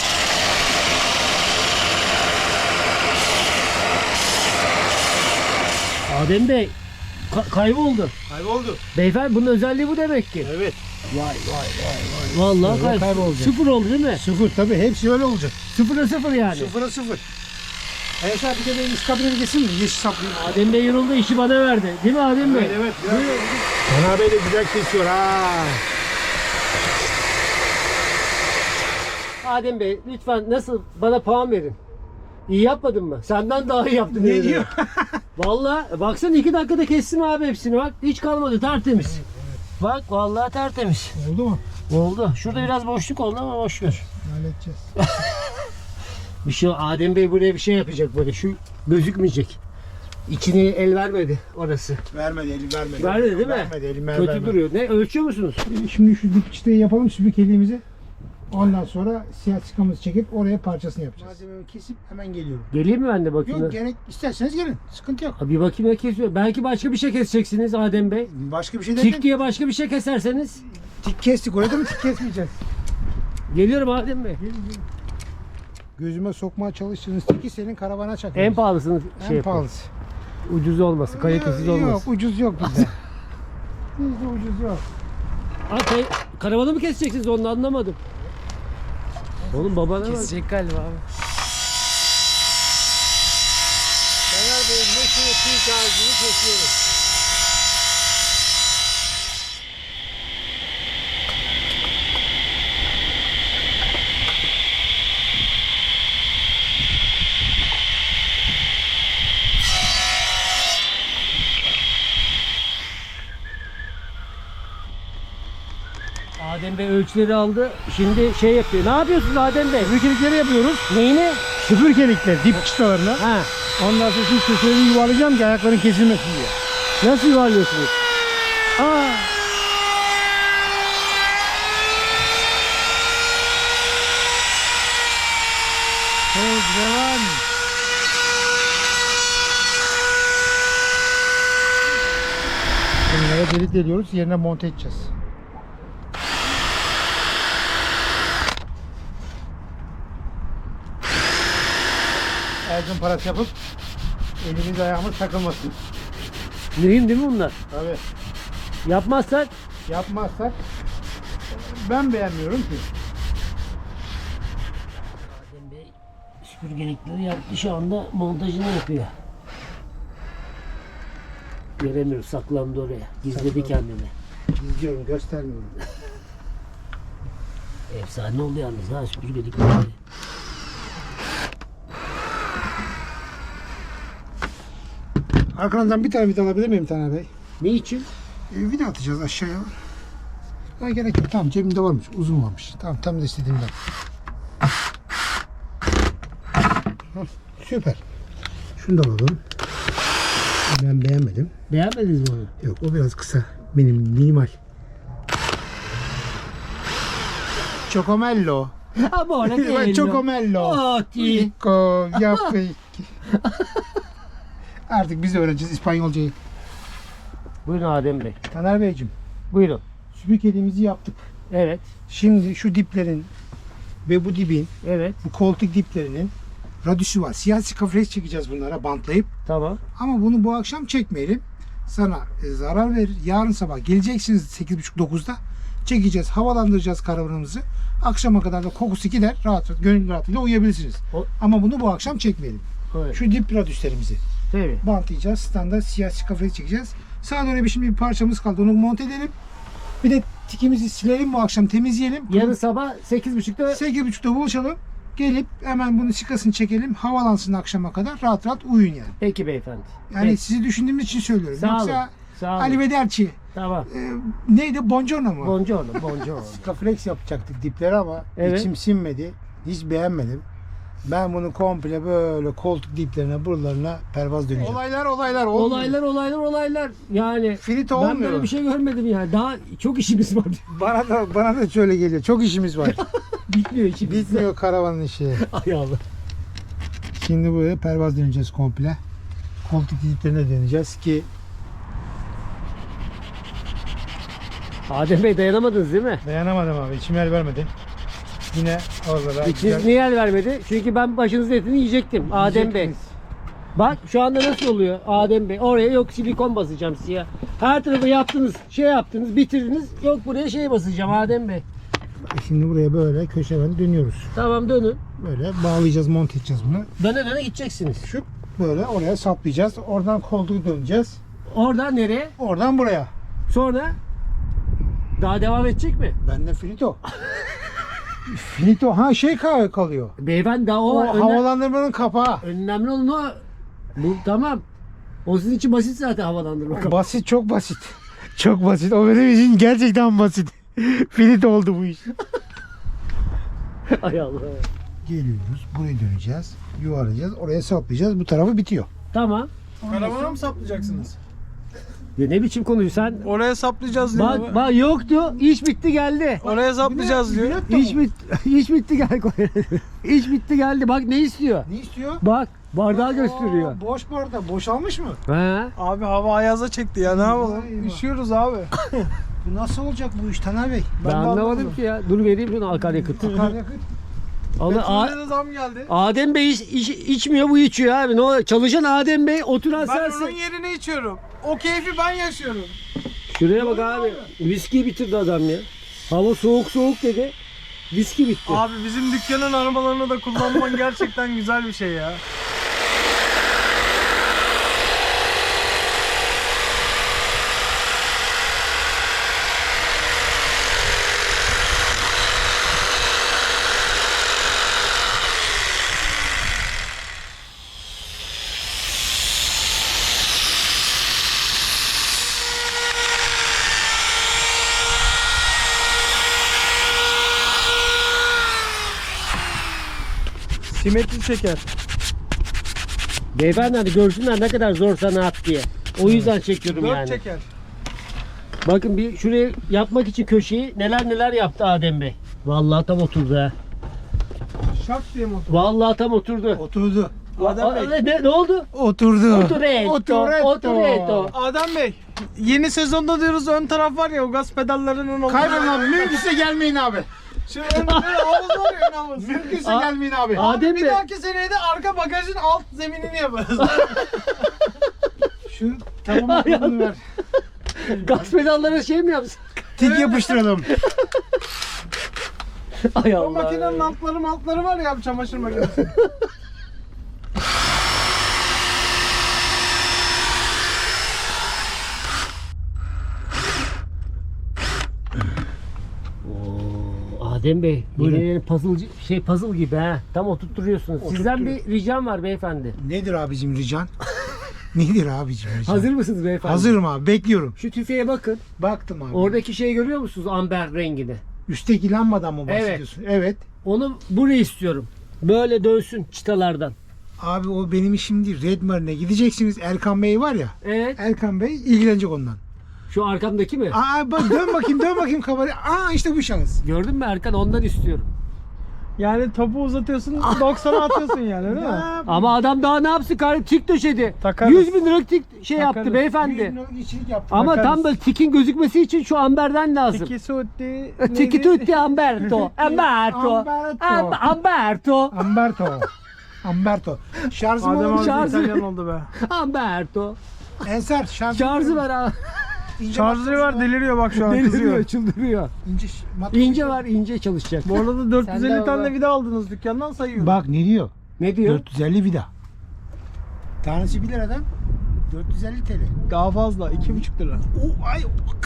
[SPEAKER 1] Adem Bey kayboldu.
[SPEAKER 2] Kayboldu.
[SPEAKER 1] Beyefendi bunun özelliği bu demek ki.
[SPEAKER 2] Evet.
[SPEAKER 1] Vallahi
[SPEAKER 2] Vallahi kaybolacak.
[SPEAKER 1] Sıfır oldu değil mi?
[SPEAKER 2] Sıfır tabii hepsi öyle olacak.
[SPEAKER 1] Sıfıra sıfır yani.
[SPEAKER 2] Sıfıra sıfır. Ensar bir de benim iskabine geçsin mi? Yeşil saplayayım.
[SPEAKER 1] Adem Bey yoruldu işi bana verdi. Değil mi Adem Bey?
[SPEAKER 2] Evet. Taner Bey de güzel kesiyor ha.
[SPEAKER 1] Adem Bey lütfen nasıl bana puan verin. İyi yapmadın mı? Senden daha iyi yaptım.
[SPEAKER 2] Ne
[SPEAKER 1] yemin
[SPEAKER 2] diyor?
[SPEAKER 1] ederim. Vallahi baksana 2 dakikada kestim abi hepsini bak. Hiç kalmadı tertemiz. Bak vallahi tertemiz.
[SPEAKER 2] Oldu mu?
[SPEAKER 1] Oldu. Şurada biraz boşluk oldu ama boş ver.
[SPEAKER 2] Halledeceğiz.
[SPEAKER 1] Bir şey Adem Bey buraya bir şey yapacak böyle şu gözükmeyecek. İçine el vermedi orası.
[SPEAKER 2] Vermedi elim vermedi.
[SPEAKER 1] Vermedi değil mi?
[SPEAKER 2] Vermedi elim
[SPEAKER 1] Kötü
[SPEAKER 2] vermedi.
[SPEAKER 1] duruyor. Ne ölçüyor musunuz?
[SPEAKER 2] Şimdi şu dip çıtayı yapalım süpürgeliğimizi. Ondan sonra siyah çıkamızı çekip oraya parçasını yapacağız. Malzemeyi kesip hemen geliyorum.
[SPEAKER 1] Geleyim mi ben de bakayım?
[SPEAKER 2] Yok gerek isterseniz gelin. Sıkıntı yok.
[SPEAKER 1] Bir bakayım ne kesiyor. Belki başka bir şey keseceksiniz Adem Bey.
[SPEAKER 2] Başka bir şey derken
[SPEAKER 1] Tik diye başka bir şey keserseniz.
[SPEAKER 2] tik kestik. Orada mı tik kesmeyeceğiz?
[SPEAKER 1] Geliyorum Adem Bey.
[SPEAKER 2] Gözüme sokmaya çalıştığınız tiki senin karavana çakıyoruz.
[SPEAKER 1] En pahalısını
[SPEAKER 2] En
[SPEAKER 1] şey yapın.
[SPEAKER 2] pahalısı.
[SPEAKER 1] Ucuz olmasın, kalitesiz
[SPEAKER 2] Yok
[SPEAKER 1] olmasın.
[SPEAKER 2] ucuz yok bizde. Bizde ucuz yok.
[SPEAKER 1] Karavanı mı keseceksiniz onu anlamadım. Oğlum babana bak.
[SPEAKER 5] Kesecek galiba abi.
[SPEAKER 2] Taner Bey'in meşhur tik ağacını kesiyoruz.
[SPEAKER 1] Adem Bey ölçüleri aldı. Şimdi şey yapıyor. Ne yapıyorsunuz Adem Bey?
[SPEAKER 2] Süpürgelikleri yapıyoruz.
[SPEAKER 1] Neyini?
[SPEAKER 2] Süpürgelikler dip çıtalarına.
[SPEAKER 1] Ha.
[SPEAKER 2] Ondan sonra şu köşeleri yuvarlayacağım ki ayakların kesilmesin diye.
[SPEAKER 1] Nasıl yuvarlıyorsunuz? Aa.
[SPEAKER 2] Evet, devam. Bunlara delik deliyoruz. Yerine monte edeceğiz. Ergun parası yapıp elimiz ayağımız takılmasın.
[SPEAKER 1] Mühim değil mi bunlar?
[SPEAKER 2] Tabii.
[SPEAKER 1] Yapmazsak
[SPEAKER 2] Yapmazsak ben beğenmiyorum ki.
[SPEAKER 1] Adem Bey süpürgelikleri yaptı, şu anda montajını yapıyor. Göremiyoruz, saklandı oraya. Gizledi kendini.
[SPEAKER 2] İzliyorum, göstermiyorum.
[SPEAKER 1] Efsane oldu yalnız ha süpürgelikleri.
[SPEAKER 2] Arkanızdan bir tane vida alabilir miyim Taner Bey?
[SPEAKER 1] Ne için?
[SPEAKER 2] Vida atacağız aşağıya. Ha, gerek yok. Tamam, cebimde varmış. Uzun varmış. Tamam, tam da istediğimden. Hı, süper. Şunu da alalım. Ben beğenmedim.
[SPEAKER 1] Beğenmediniz mi onu?
[SPEAKER 2] Yok, o biraz kısa. Benim minimal. Çokomello.
[SPEAKER 1] Ama öyle
[SPEAKER 2] Çokomello.
[SPEAKER 1] Oh, ti.
[SPEAKER 2] Pico, yapı. Artık biz de öğreneceğiz İspanyolcayı.
[SPEAKER 1] Buyurun Adem Bey.
[SPEAKER 2] Taner Beyciğim,
[SPEAKER 1] Buyurun.
[SPEAKER 2] süpürgeliğimizi yaptık.
[SPEAKER 1] Evet.
[SPEAKER 2] Şimdi şu diplerin ve bu dibin,
[SPEAKER 1] Evet.
[SPEAKER 2] bu koltuk diplerinin radüsü var. Siyasi kafes çekeceğiz bunlara bantlayıp.
[SPEAKER 1] Tamam.
[SPEAKER 2] Ama bunu bu akşam çekmeyelim. Sana zarar verir. Yarın sabah geleceksiniz 8.30-9'da. Çekeceğiz, havalandıracağız karavanımızı. Akşama kadar da kokusu gider. Rahat, gönül rahatlığıyla uyuyabilirsiniz. Ama bunu bu akşam çekmeyelim.
[SPEAKER 1] Evet.
[SPEAKER 2] Şu dip radüslerimizi
[SPEAKER 1] Tabii.
[SPEAKER 2] bantlayacağız. Standart siyasi kafes çekeceğiz. Sağa doğru şimdi bir parçamız kaldı. Onu monte edelim. Bir de tikimizi silelim bu akşam, temizleyelim.
[SPEAKER 1] Yarın sabah 8.30'da
[SPEAKER 2] 8.30'da buluşalım. Gelip hemen bunu şikasını çekelim. Havalansın akşama kadar. Rahat rahat uyuyun yani.
[SPEAKER 1] Peki beyefendi.
[SPEAKER 2] Yani
[SPEAKER 1] Peki.
[SPEAKER 2] sizi düşündüğümüz için söylüyorum.
[SPEAKER 1] Sağ olun.
[SPEAKER 2] Yoksa
[SPEAKER 1] Sağ olun.
[SPEAKER 2] Ali Vederci
[SPEAKER 1] Tamam.
[SPEAKER 2] neydi? Buongiorno mu?
[SPEAKER 1] Buongiorno, buongiorno.
[SPEAKER 2] Skaflex yapacaktık dipleri ama
[SPEAKER 1] Evet.
[SPEAKER 2] içim sinmedi. Hiç beğenmedim. Ben bunu komple böyle koltuk diplerine, buralarına pervaz döneceğim. Olaylar olmuyor.
[SPEAKER 1] Olaylar. Yani
[SPEAKER 2] Finito
[SPEAKER 1] ben
[SPEAKER 2] olmuyor.
[SPEAKER 1] böyle bir şey görmedim yani. Daha çok işimiz var.
[SPEAKER 2] Bana da şöyle geliyor. Çok işimiz var.
[SPEAKER 1] Bitmiyor işimiz.
[SPEAKER 2] Bitmiyor karavanın işi.
[SPEAKER 1] Ay Allah.
[SPEAKER 2] Şimdi buraya pervaz döneceğiz komple. Koltuk diplerine döneceğiz ki
[SPEAKER 1] Adem Bey dayanamadınız değil mi?
[SPEAKER 2] dayanamadım abi. İçim el vermedi. Yine oralara
[SPEAKER 1] İçiniz niye el vermedi? Çünkü ben başınızın etini yiyecektim Adem Bey. Bak şu anda nasıl oluyor Adem Bey? Oraya yok silikon basacağım siyah. Her tarafı yaptınız, şey yaptınız, bitirdiniz. Yok buraya şey basacağım Adem Bey.
[SPEAKER 2] Şimdi buraya böyle köşeden dönüyoruz.
[SPEAKER 1] Tamam dönün.
[SPEAKER 2] Böyle bağlayacağız, monte edeceğiz bunu.
[SPEAKER 1] Döne gideceksiniz.
[SPEAKER 2] Şu böyle oraya saplayacağız. Oradan koltuğu döneceğiz.
[SPEAKER 1] Oradan nereye?
[SPEAKER 2] Oradan buraya.
[SPEAKER 1] Sonra daha devam edecek mi?
[SPEAKER 2] Bende finito. Finito. Ha şey kalıyor.
[SPEAKER 1] Beyefendi daha o
[SPEAKER 2] O
[SPEAKER 1] var.
[SPEAKER 2] havalandırmanın kapağı.
[SPEAKER 1] Önemli olan o. Bu tamam. O sizin için basit zaten havalandırma.
[SPEAKER 2] Basit, çok basit. Çok basit. O benim için gerçekten basit. Finito oldu bu iş.
[SPEAKER 1] Ay Allah.
[SPEAKER 2] Geliyoruz. Buraya döneceğiz. Yuvarlayacağız. Oraya saplayacağız. Bu tarafı bitiyor.
[SPEAKER 1] Tamam.
[SPEAKER 5] Karavana mı saplayacaksınız?
[SPEAKER 1] Ya ne biçim konuşuyorsun sen?
[SPEAKER 5] Oraya saplayacağız diyor.
[SPEAKER 1] Bak yoktu. İş bitti geldi.
[SPEAKER 5] Oraya saplayacağız diyor.
[SPEAKER 1] İş bitti geldi. İş bitti geldi. Bak ne istiyor?
[SPEAKER 2] Ne istiyor?
[SPEAKER 1] Bak bardağı gösteriyor.
[SPEAKER 2] Aa, boş bu arada. Boşalmış mı?
[SPEAKER 1] He.
[SPEAKER 5] Abi hava ayaza çekti ya, ne yapalım?
[SPEAKER 2] Eyvah.
[SPEAKER 5] Üşüyoruz abi.
[SPEAKER 2] Bu nasıl olacak bu iş Taner Bey?
[SPEAKER 1] Ben
[SPEAKER 5] de
[SPEAKER 1] anlamadım
[SPEAKER 5] anlamadım.
[SPEAKER 1] ki ya. Dur vereyim şunu akaryakıt.
[SPEAKER 2] Akaryakıt.
[SPEAKER 5] Petrolde de zam geldi.
[SPEAKER 1] Adem Bey içmiyor, bu içiyor abi. Ne oluyor? Çalışan Adem Bey, oturan
[SPEAKER 5] Ben onun
[SPEAKER 1] sensin.
[SPEAKER 5] yerine içiyorum. O keyfi ben yaşıyorum.
[SPEAKER 1] Şuraya bak abi. Viski bitirdi adam ya. Hava soğuk dedi. Viski bitti.
[SPEAKER 5] Abi bizim dükkanın arabalarını da kullanman gerçekten güzel bir şey ya. Simetri çeker.
[SPEAKER 1] Beyefendi hani görsünler ne kadar zor sanat diye. O yüzden çekiyorum
[SPEAKER 5] 4
[SPEAKER 1] yani.
[SPEAKER 5] çeker.
[SPEAKER 1] Bakın bir şuraya yapmak için köşeyi neler yaptı Adem Bey. Vallahi tam oturdu ha.
[SPEAKER 5] Şak diye mi otur?
[SPEAKER 1] Vallahi tam oturdu.
[SPEAKER 2] Oturdu.
[SPEAKER 5] Adem Bey.
[SPEAKER 1] Ne oldu?
[SPEAKER 2] Oturdu.
[SPEAKER 1] Oturetto.
[SPEAKER 5] Adam Bey, yeni sezonda diyoruz ön taraf var ya o gaz pedallarının olduğu.
[SPEAKER 2] Kaybedin abi. Mümkünse gelmeyin abi.
[SPEAKER 5] Şu ön havuz var ya ön havuz.
[SPEAKER 2] Mümkünse
[SPEAKER 1] Aa,
[SPEAKER 2] gelmeyin abi.
[SPEAKER 1] Adem
[SPEAKER 5] Bir
[SPEAKER 1] Bey.
[SPEAKER 5] dahaki seneye de arka bagajın alt zeminini yaparız.
[SPEAKER 2] Şu tamam bunu ver.
[SPEAKER 1] Gaz pedallara şey mi yapsın?
[SPEAKER 2] Tik yapıştıralım.
[SPEAKER 1] Ay
[SPEAKER 5] O
[SPEAKER 1] Allah.
[SPEAKER 5] makinenin altları var ya çamaşır makinesi.
[SPEAKER 1] Oo, Adem Bey,
[SPEAKER 2] Buyurun.
[SPEAKER 1] yeni puzzle gibi ha. Tam oturtturuyorsunuz. Sizden bir ricam var beyefendi.
[SPEAKER 2] Nedir abicim rican? Nedir abicim rican?
[SPEAKER 1] Hazır mısınız beyefendi?
[SPEAKER 2] Hazırım abi. Bekliyorum.
[SPEAKER 1] Şu tüfeğe bakın.
[SPEAKER 2] Baktım abi.
[SPEAKER 1] Oradaki şeyi görüyor musunuz? Amber rengini.
[SPEAKER 2] Üstteki lambadan mı bahsediyorsun? Evet.
[SPEAKER 1] Onu buraya istiyorum. Böyle dönsün çıtalardan.
[SPEAKER 2] Abi o benim işim değil. Red Marine'e gideceksiniz. Erkan Bey var ya.
[SPEAKER 1] Evet.
[SPEAKER 2] Erkan Bey ilgilenecek ondan.
[SPEAKER 1] Şu arkamdaki mi?
[SPEAKER 2] Aa bak dön bakayım kameraya. Aa işte bu şans.
[SPEAKER 1] Gördün mü Erkan? Ondan istiyorum.
[SPEAKER 5] Yani topu uzatıyorsun 90'a atıyorsun yani değil mi?
[SPEAKER 2] Ya,
[SPEAKER 1] Ama adam daha ne yapsın kardeşim? Tik döşedi.
[SPEAKER 5] Takarız.
[SPEAKER 1] 100 bin lira tik şey
[SPEAKER 5] Takarız.
[SPEAKER 1] yaptı beyefendi.
[SPEAKER 2] yüzünü içilik yaptım.
[SPEAKER 1] Ama
[SPEAKER 5] Takarız.
[SPEAKER 1] tam böyle tikin gözükmesi için şu amberden lazım.
[SPEAKER 5] Tiki sutti.
[SPEAKER 1] Tiki tutti Amberto. Amberto.
[SPEAKER 2] Amberto.
[SPEAKER 1] Amberto.
[SPEAKER 2] Amberto. Şarjım
[SPEAKER 5] Adem
[SPEAKER 2] olur.
[SPEAKER 5] abi
[SPEAKER 1] Şarjı-
[SPEAKER 5] İtalyan oldu be.
[SPEAKER 1] Amberto.
[SPEAKER 2] Ensar şarjı.
[SPEAKER 1] Şarjı var ha.
[SPEAKER 5] Şarjları var deliriyor bak şu an kızıyor.
[SPEAKER 1] Deliriyor, çıldırıyor.
[SPEAKER 2] İnce,
[SPEAKER 1] İnce var, ince çalışacak.
[SPEAKER 5] Bu arada
[SPEAKER 1] Sen
[SPEAKER 5] 450
[SPEAKER 1] de
[SPEAKER 5] tane
[SPEAKER 1] bak.
[SPEAKER 5] vida aldınız dükkandan sayıyorum.
[SPEAKER 2] Bak ne diyor?
[SPEAKER 1] Ne diyor?
[SPEAKER 2] 450 vida. Tanesi 1 liradan 450 TL.
[SPEAKER 5] Daha fazla 2,5 lira.
[SPEAKER 2] O ay.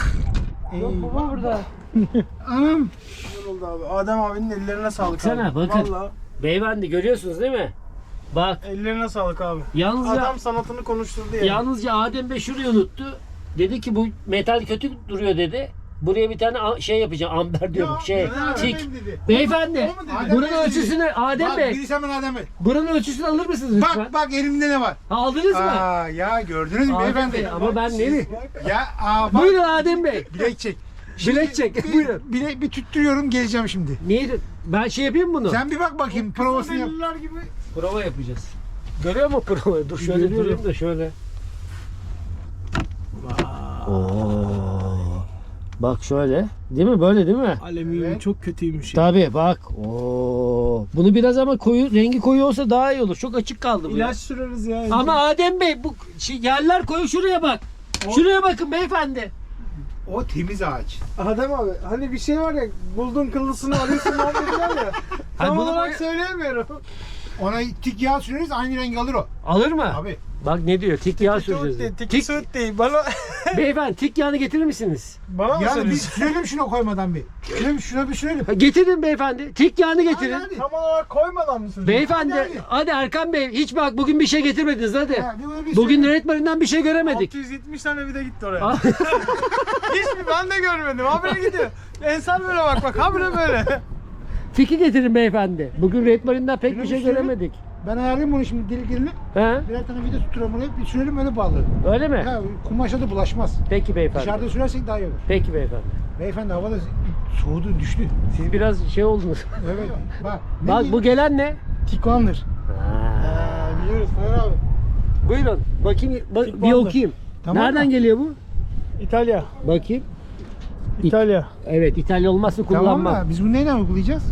[SPEAKER 3] Baba burada.
[SPEAKER 2] Anam.
[SPEAKER 5] Güzel oldu abi. Adem abinin ellerine sağlık
[SPEAKER 1] Baksana,
[SPEAKER 5] abi.
[SPEAKER 1] bakın.
[SPEAKER 5] Vallahi
[SPEAKER 1] Beyefendi görüyorsunuz değil mi? Bak
[SPEAKER 5] ellerine sağlık abi.
[SPEAKER 1] yalnızca
[SPEAKER 5] Adam sanatını konuşturdu yani.
[SPEAKER 1] yalnızca Adem Bey şurayı unuttu. Dedi ki bu metal kötü duruyor dedi. Buraya bir tane şey yapacağım. Amber diyorum. Tik.
[SPEAKER 2] O
[SPEAKER 1] Beyefendi.
[SPEAKER 2] mu dedi?
[SPEAKER 1] Buranın
[SPEAKER 2] Adem Bey
[SPEAKER 1] ölçüsünü Adem
[SPEAKER 2] Bak
[SPEAKER 1] Bey.
[SPEAKER 2] birisi hemen Adem Bey.
[SPEAKER 1] Buranın ölçüsünü alır mısınız lütfen?
[SPEAKER 2] Bak elimde ne var?
[SPEAKER 1] Ha, aldınız mı?
[SPEAKER 2] Aa ya gördünüz mü
[SPEAKER 1] Adem
[SPEAKER 2] beyefendi?
[SPEAKER 1] Bey ama ben ne mi?
[SPEAKER 2] Ya aa bak.
[SPEAKER 1] Buyurun Adem Bey.
[SPEAKER 2] Bilek çek.
[SPEAKER 1] Bilek çek. Buyurun.
[SPEAKER 2] Bir tüttürüyorum geleceğim şimdi.
[SPEAKER 1] Neydi? Ben şey yapayım bunu.
[SPEAKER 2] Sen bir bak bakayım provasını yap.
[SPEAKER 5] Deliller gibi.
[SPEAKER 1] Prova yapacağız. Görüyor musun provayı? Dur şöyle
[SPEAKER 5] Görüyorum.
[SPEAKER 1] durayım da şöyle. Oo. Bak şöyle. Değil mi? Böyle değil mi?
[SPEAKER 5] Alüminyum
[SPEAKER 2] Evet.
[SPEAKER 5] çok kötüymüş ya.
[SPEAKER 1] Tabii bak. Oo. Bunu biraz ama rengi koyu olsa daha iyi olur. Çok açık kaldı bu. ya.
[SPEAKER 5] İlaç süreriz ya.
[SPEAKER 1] Ama Adem Bey bu yerler koyu şuraya bak. Şuraya bakın beyefendi.
[SPEAKER 2] O temiz ağaç.
[SPEAKER 5] Adem abi hani bir şey var ya buldun kıllısını arıyorsun muhabbeti var ya. Tam
[SPEAKER 1] bunu
[SPEAKER 5] olarak
[SPEAKER 1] böyle-
[SPEAKER 5] söyleyemiyorum.
[SPEAKER 2] Ona tik yağ süreriz aynı renk alır o.
[SPEAKER 1] Alır mı?
[SPEAKER 2] Abi.
[SPEAKER 1] Bak ne diyor? Tik yağ süreceğiz. diyor.
[SPEAKER 5] Tiki
[SPEAKER 1] Tik,
[SPEAKER 5] suit değil. Bana,
[SPEAKER 1] beyefendi tik yağını getirir misiniz?
[SPEAKER 5] bana mı
[SPEAKER 2] Ya bir
[SPEAKER 5] söylüyorsun?
[SPEAKER 2] sürelim şuna koymadan bir. Şuna bir sürelim.
[SPEAKER 1] Ha, getirin beyefendi. Tik yağını getirin.
[SPEAKER 2] Hadi.
[SPEAKER 5] Tam olarak koymadan mı söylüyorsun?
[SPEAKER 1] Beyefendi
[SPEAKER 2] Hadi,
[SPEAKER 1] hadi Erkan Bey hiç bak bugün bir şey getirmediniz hadi.
[SPEAKER 2] Ha, bir onu bir
[SPEAKER 1] Bugün
[SPEAKER 2] sürelim.
[SPEAKER 1] öğretmeninden bir şey göremedik.
[SPEAKER 5] 670 tane vida gitti oraya.
[SPEAKER 1] Ah.
[SPEAKER 5] Hiçbir ben de görmedim. Habire gidiyor. Ensar böyle bak habire böyle.
[SPEAKER 1] Tiki getirin beyefendi. Bugün öğretmeninden pek bir şey
[SPEAKER 2] Şunu bir
[SPEAKER 1] göremedik.
[SPEAKER 2] Ben ayarlayayım bunu şimdi deliklerini.
[SPEAKER 1] He?
[SPEAKER 2] Birer tane vida tutturuyorum oraya. Bir sürelim öyle bağlarım.
[SPEAKER 1] Öyle mi?
[SPEAKER 2] Ha, kumaşa da bulaşmaz.
[SPEAKER 1] Peki beyefendi.
[SPEAKER 2] Dışarıda sürersek daha iyi olur.
[SPEAKER 1] Peki beyefendi.
[SPEAKER 2] Beyefendi havada soğudu düştü.
[SPEAKER 1] Siz biraz şey oldunuz.
[SPEAKER 2] Evet. Bak.
[SPEAKER 1] Bak bu gelen ne?
[SPEAKER 2] Tikvandır. Biliyoruz Taner abi.
[SPEAKER 1] Buyurun. Bakayım bir
[SPEAKER 5] Tikvandır.
[SPEAKER 1] okuyayım.
[SPEAKER 2] Tamam
[SPEAKER 1] Nereden
[SPEAKER 2] mı?
[SPEAKER 1] geliyor bu?
[SPEAKER 5] İtalya.
[SPEAKER 1] Bakayım.
[SPEAKER 5] İtalya.
[SPEAKER 1] Evet İtalya olmazsa
[SPEAKER 2] Tamam
[SPEAKER 1] kullanmam.
[SPEAKER 2] mı? Biz bunu neyle uygulayacağız?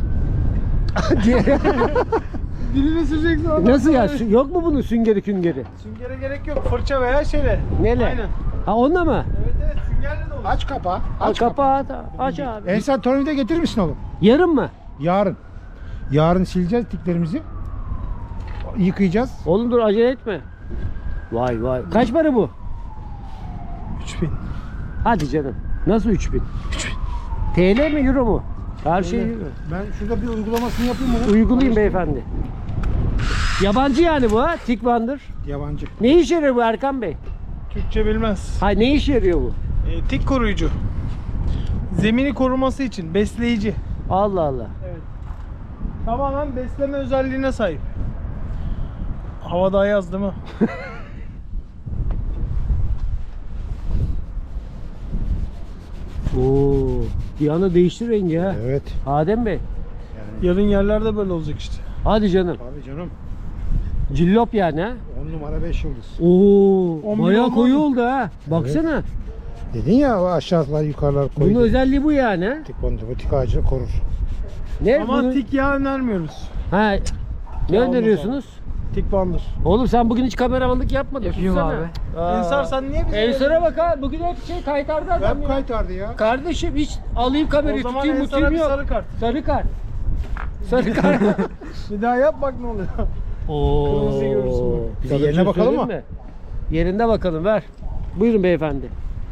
[SPEAKER 5] Dilini süreceksin adam.
[SPEAKER 1] Nasıl ya? Yok mu bunun süngeri küngeri?
[SPEAKER 5] Süngere gerek yok. Fırça veya şeyle.
[SPEAKER 1] Neyle?
[SPEAKER 5] Aynen.
[SPEAKER 1] Ha onunla mı?
[SPEAKER 5] Evet süngerle de olur.
[SPEAKER 2] Aç kapağı.
[SPEAKER 1] Aç kapağı da aç abi.
[SPEAKER 2] Ensar tornavida getirir misin oğlum?
[SPEAKER 1] Yarın mı?
[SPEAKER 2] Yarın. Yarın sileceğiz tiklerimizi. Yıkayacağız.
[SPEAKER 1] Oğlum dur acele etme. Vay vay. Kaç para bu?
[SPEAKER 5] 3000.
[SPEAKER 1] Hadi canım. Nasıl 3000? TL mi euro mu? Her şey euro.
[SPEAKER 2] Ben şurada bir uygulamasını yapayım onu.
[SPEAKER 1] Uygulayayım beyefendi. Yabancı yani bu ha? Tikvandır.
[SPEAKER 2] Yabancı.
[SPEAKER 1] Ne işe yarıyor bu Erkan Bey?
[SPEAKER 5] Türkçe bilmez.
[SPEAKER 1] Hayır ne işe yarıyor bu?
[SPEAKER 5] Tik koruyucu. Zemini koruması için besleyici.
[SPEAKER 1] Allah Allah.
[SPEAKER 5] Tamamen besleme özelliğine sahip. Hava daha yaz değil mi?
[SPEAKER 1] Oo, bir anda değişti rengi ha.
[SPEAKER 2] Evet.
[SPEAKER 1] Adem Bey.
[SPEAKER 5] Yarın yerlerde böyle olacak işte.
[SPEAKER 1] Hadi canım.
[SPEAKER 2] Abi canım.
[SPEAKER 1] Cillop yani ha.
[SPEAKER 2] 10 numara 5 yıldız.
[SPEAKER 1] Oo,
[SPEAKER 5] 11
[SPEAKER 1] bayağı
[SPEAKER 5] olmaz
[SPEAKER 1] koyu
[SPEAKER 5] mı?
[SPEAKER 1] oldu ha. Baksana.
[SPEAKER 2] Dedin ya o aşağılar yukarılar koydu.
[SPEAKER 1] Bunun özelliği bu yani ha.
[SPEAKER 2] Bu tik ağacını korur.
[SPEAKER 1] Ne
[SPEAKER 5] Ama
[SPEAKER 1] bunun-
[SPEAKER 5] tik yağı önermiyoruz.
[SPEAKER 1] Ha. Ne
[SPEAKER 5] Olmaz
[SPEAKER 1] öneriyorsunuz?
[SPEAKER 5] Tik bandır.
[SPEAKER 1] Oğlum sen bugün hiç kameramanlık yapmadın.
[SPEAKER 3] Yapayım
[SPEAKER 1] Sussana.
[SPEAKER 3] abi.
[SPEAKER 5] Ensar sen niye bize
[SPEAKER 1] Ensar'a bak ha. Bugün hep şey kaytardı adam
[SPEAKER 2] Hep
[SPEAKER 1] ya.
[SPEAKER 2] kaytardı ya.
[SPEAKER 1] Kardeşim hiç alayım
[SPEAKER 5] O
[SPEAKER 1] kamerayı
[SPEAKER 5] zaman
[SPEAKER 1] tutayım
[SPEAKER 5] Ensar'a
[SPEAKER 1] mutayım
[SPEAKER 5] bir
[SPEAKER 1] yok.
[SPEAKER 5] sarı kart.
[SPEAKER 1] Sarı kart. Sarı kart.
[SPEAKER 5] Bir daha yap bak ne oluyor.
[SPEAKER 1] Oo.
[SPEAKER 5] Kırmızıyı görürsün bak.
[SPEAKER 1] Bize
[SPEAKER 2] Yerine
[SPEAKER 1] bir şey
[SPEAKER 2] bakalım
[SPEAKER 1] söyleyeyim
[SPEAKER 2] mı?
[SPEAKER 1] mi? Yerinde bakalım ver. Buyurun beyefendi.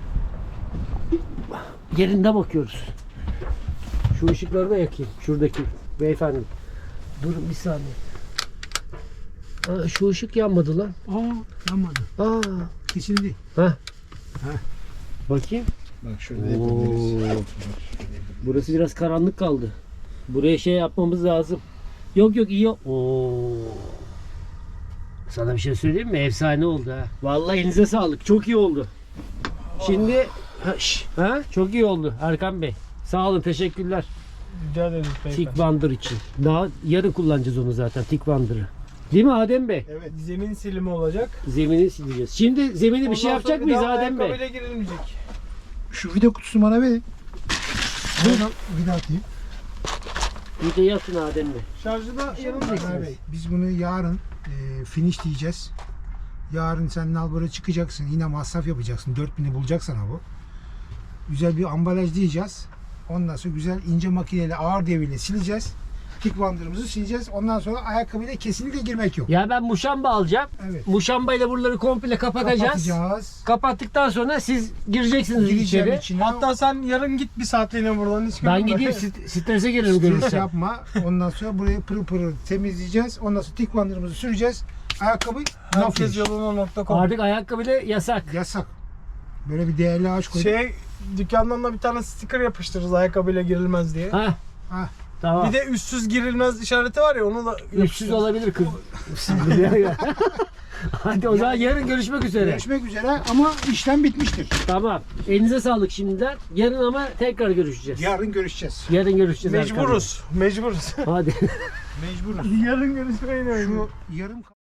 [SPEAKER 1] Yerinde bakıyoruz. Şu ışıkları da yakayım. Şuradaki beyefendi. Durun bir saniye. Aa, şu ışık yanmadı lan.
[SPEAKER 2] Yanmadı.
[SPEAKER 1] Aa.
[SPEAKER 2] Kesildi.
[SPEAKER 1] Heh. Bakayım.
[SPEAKER 2] Bak şurada
[SPEAKER 1] Oo. Burası biraz karanlık kaldı. Buraya şey yapmamız lazım. Yok yok iyi. Oo. Sana bir şey söyleyeyim mi? Efsane oldu ha. Vallahi elinize sağlık. Çok iyi oldu. Şimdi çok iyi oldu Erkan Bey. Sağ olun, teşekkürler.
[SPEAKER 5] Rica ederiz beyefendi.
[SPEAKER 1] Tick Wander için. Daha yarın kullanacağız onu zaten Tick Wander'ı. Değil mi Adem Bey?
[SPEAKER 5] Evet. Zemin silimi olacak.
[SPEAKER 1] Zemini sileceğiz. Şimdi zemini bir şey
[SPEAKER 5] Ondan sonra
[SPEAKER 1] yapacak
[SPEAKER 5] bir
[SPEAKER 1] mıyız
[SPEAKER 5] daha
[SPEAKER 1] Adem Bey?
[SPEAKER 5] ayakkabıyla girilmeyecek.
[SPEAKER 2] Şu vida kutusunu bana ver. Buyurun. Vida atayım.
[SPEAKER 1] Bir de yatın Adem Bey.
[SPEAKER 5] Şarjı da yanımda.
[SPEAKER 2] Abi, biz bunu yarın finish diyeceğiz. Yarın sen Nalbur'a çıkacaksın. Yine masraf yapacaksın. 4000'i bulacaksan bu. Güzel bir ambalaj diyeceğiz. Ondan sonra güzel ince makineyle ağır devirle sileceğiz. Tick Wander'ımızı sileceğiz. Ondan sonra ayakkabıyla kesinlikle girmek yok.
[SPEAKER 1] Ya ben muşamba alacağım.
[SPEAKER 2] Evet.
[SPEAKER 1] Muşambayla buraları komple kapatacağız.
[SPEAKER 2] Kapatacağız.
[SPEAKER 1] Kapattıktan sonra siz gireceksiniz
[SPEAKER 2] Gireceğim
[SPEAKER 1] içeri.
[SPEAKER 2] içine.
[SPEAKER 5] Hatta sen yarın git bir saatliğine buradan hiç
[SPEAKER 1] Ben
[SPEAKER 5] görünme.
[SPEAKER 1] gideyim strese girerim
[SPEAKER 2] stres
[SPEAKER 1] görürsem.
[SPEAKER 2] yapma. Ondan sonra burayı pırıl pırıl temizleyeceğiz. Ondan sonra Tick Wander'ımızı süreceğiz. Ayakkabı no
[SPEAKER 5] Herkes
[SPEAKER 2] finish.
[SPEAKER 5] yoluna.com.
[SPEAKER 1] Artık ayakkabıyla yasak.
[SPEAKER 2] Yasak. Böyle bir değerli ağaç koyduk.
[SPEAKER 5] Dükkandan da bir tane sticker yapıştırırız ayakkabıyla girilmez diye.
[SPEAKER 1] Ha.
[SPEAKER 2] Ha.
[SPEAKER 1] Tamam.
[SPEAKER 5] Bir de üstsüz girilmez işareti var ya onu da
[SPEAKER 1] Üstsüz
[SPEAKER 5] yapıştırırız.
[SPEAKER 1] olabilir kız. Hadi o zaman yarın görüşmek üzere.
[SPEAKER 2] Görüşmek üzere ama işlem bitmiştir.
[SPEAKER 1] Tamam. Elinize sağlık şimdiden. Yarın ama tekrar görüşeceğiz.
[SPEAKER 2] Yarın görüşeceğiz.
[SPEAKER 1] Yarın görüşeceğiz. Erkan Bey.
[SPEAKER 5] Mecburuz.
[SPEAKER 1] Hadi.
[SPEAKER 2] Mecburuz.
[SPEAKER 5] Yarın görüşmeyi
[SPEAKER 2] Şu yarım